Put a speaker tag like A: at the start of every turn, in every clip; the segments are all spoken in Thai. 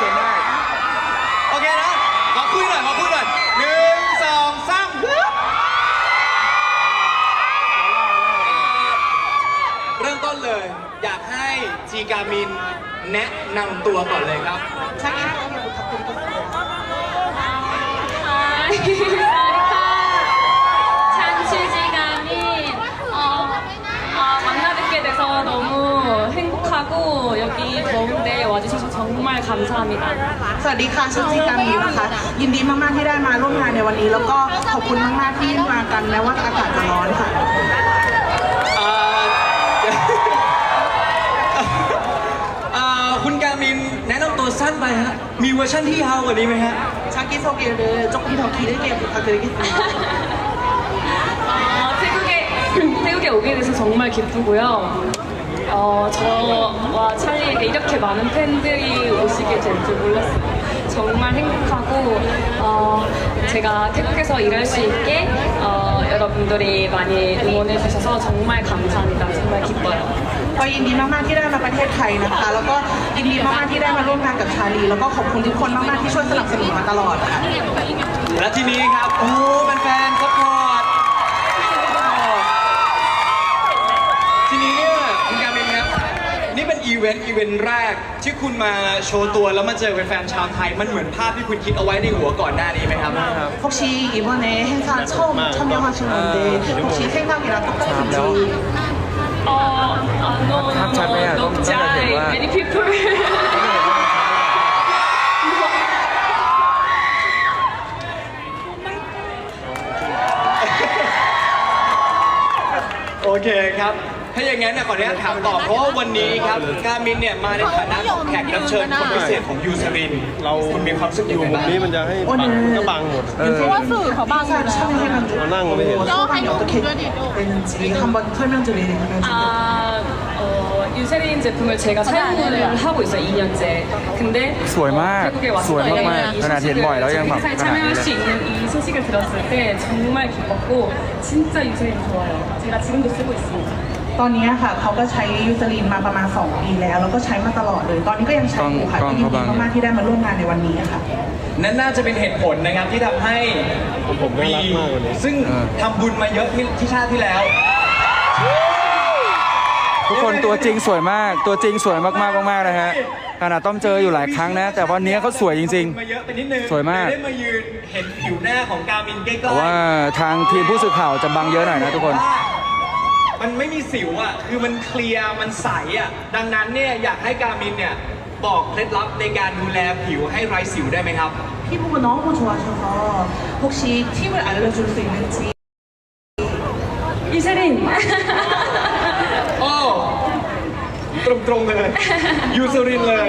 A: ชิญได้โอเคนะขอคุยหน่อย1 2 3เริ่มต้นเลยอยากให้จีกามินแนะนำตัวก่อนเลยครับ
B: สวัสดีค่ะสวัสดีค่ะชื่อจีกามินนะคะยินดีมากๆที่ได้มาร่วมงานในวันนี้แล้วก็ขอบคุณมากๆที่มากันแม้ว่าอากาศจะร้อนค่ะ
A: คุณกามินแนะนำตัวสั้นไปฮะมีเวอร์ชันที่ยาวกว่านี้ไหมฮะ
B: 자기소개를 조금 더 길게 부탁드리겠습니다.
C: 태국에 오게 돼서 정말 기쁘고요. 저와 찰리에게 이렇게 많은 팬들이 오시게 될 줄 몰랐어요. 정말 행복하고 제가 태국에서 일할 수 있게 여러분들이 많이 응원해 주셔서 정말 감사합니다. 정말 기뻐요.
B: ก็ยินดีมากๆที่ได้มาประเทศไทยนะคะแล้วก็ยินดีมากๆที่ได้มาร่วมงานกับชาลีแล้วก็ขอบคุณทุกคนมากๆที่ช่วยสนับสนุนมาตลอดค่ะ
A: และทีนี้ครับโอ้เป็นแฟนซัพพอร์ตทีนี้เนี่ยคุณกามินครับนี่เป็นอีเวนต์แรกที่คุณมาโชว์ตัวแล้วมาเจอเป็นแฟนชาวไทยมันเหมือนภาพที่คุณคิดเอาไว้ในหัวก่อนหน้านี้ไหมครับ
B: 혹시 이번에 행사 처음 참여하신 건데 혹시 생각이랑 똑같은지
C: no, many people.
A: โอเคครับถ้าอย่างนั้นขออนุญาตถามต่อเพราะว่าวันนี้ครับกามินเนี่ยมาในฐานะของแขกรับเชิญคนพิเศษของยูซารินคุณมีความรู้สึกยังไงบ้าง
D: นี้มันจะให้บังก็บังหมด
B: 행사 참여해가지고
D: เรานั่งก็ไม่เห็น
B: 소감이 어떻게 되는지 한번 설명드리면
C: 유세린 제품을 제가 사용을 하고 있어요, 2년째. 근데
E: สวยมากสวยมากๆขนาดเห็นบ่อยแล้วยังแบบ
C: 행사에
E: ขนาดนี้
C: 참여할
E: เล
C: 수
E: ย
C: 있는 이 소식을 들었을 때 정말 기뻤고 진짜 유세린 좋아요. 제가 지금도 쓰고 있습니다.
B: ตอนนี้ค่ะเขาก็ใช้ยูซาลินมาประมาณ2 ปีแล้วแล้วก็ใช้มาตลอดเลยตอนนี้ก็ยังใช้อยู่ค่ะยินดีมากๆที่ได้มาร่วมงานในวันนี้ค่ะ
A: นั่นน่าจะเป็นเหตุผลนะครับที่ทำให้
D: ผมน่ารักมากวันนี้
A: ซึ่งทำบุญมาเยอะที่ชาติที่แล้ว
E: ทุกคนตัวจริงสวยมากตัวจริงสวยมากๆนะฮะขนาดต้องเจออยู่หลายครั้งนะแต่วันนี้เขาสวยจริงๆสวยมาก
A: ได้มายืนเห็นผิวหน้าของกามินใกล้ๆ
E: แต่ว่าทางทีมผู้สื่อข่าวจะบังเยอะหน่อยนะทุกคน
A: มันไม่มีสิวอ่ะคือมันเคลียร์มันใสอ่ะดังนั้นเนี่ยอยากให้กามินเนี่ยบอกเคล็ดลับในการดูแลผิวให้ไร้สิวได้ไหมครับ
B: 피부가 너무 좋아하셔서 혹시 팁을 알려줄 수 있는지
C: 유세린!
A: โอ้ตรงๆเลยยูซารินเลย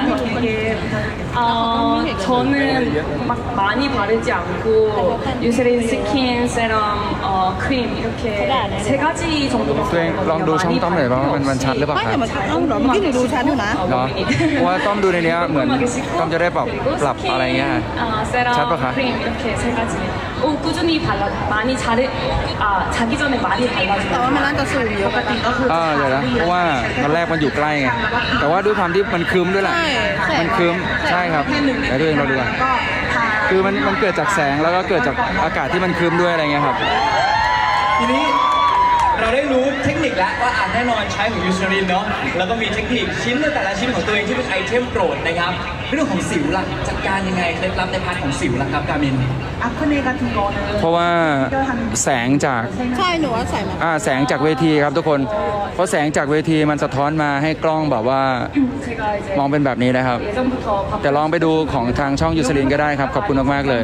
C: 저는 막 많이 바르지 않고 유세린 스킨, 세럼, 크림 이렇게 3가지 정도
E: ตัวเองลองดูช่องต้อมหน่อยว่ามันชัดหรือเปล่าครับเนาะเพราะว่าต้อมดูในนี้เหมือนต้อมจะได้ปรับอะไรเงี้ยชัดป่ะคะ
C: 크림 이렇게 3가지 꾸준히 많이 자기 전에 많이 발라줘요.
B: ปกติก็คือ
E: เดี๋ยวนะเพราะว่าตอนแรกมันอยู่ใกล้ไงแต่ว่าด้วยความที่มันครึ้มด้วยแหละมันครึ้มใช่ครับแต่ตัวเองเราดูอ่ะคือมันเกิดจากแสงแล้วก็เกิดจากอากาศที่มันครึ้มด้วยอะไรเงี้ยครับ
A: ทีนี้เราได้รู้เทคนิคแล้วว่าแน่นอนใช้ของยูซารินเนาะแล้วก็มีเทคนิคชิ้นในแต่ละชิ้นของตัวเองที่เป็นไอเทมโปรดนะครับเรื่องของสิวล่ะจัดการยังไงเคล็ดลับในพาร์ทของสิวล่ะครับกามิน
B: 아크네 같은 거는
E: เพราะว่าแสงจาก
F: ใช่หนูว่าใส่มา
E: แสงจากเวทีครับทุกคนเพราะแสงจากเวทีมันสะท้อนมาให้กล้องแบบว่ามองเป็นแบบนี้นะครับแต่ลองไปดูของทางช่องยูซารินก็ได้ครับขอบคุณมากๆเลย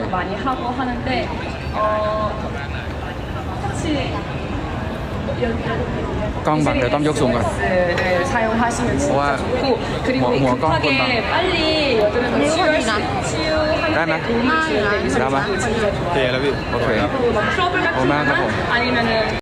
E: กล้องบังเดี๋ยวต้องยกสูงก่อนเพราะว่าหัวกล้องคนบังได้ไหมได้ไหม
D: เตะแล้วพี่
E: โอเคขอบคุณมากครับผม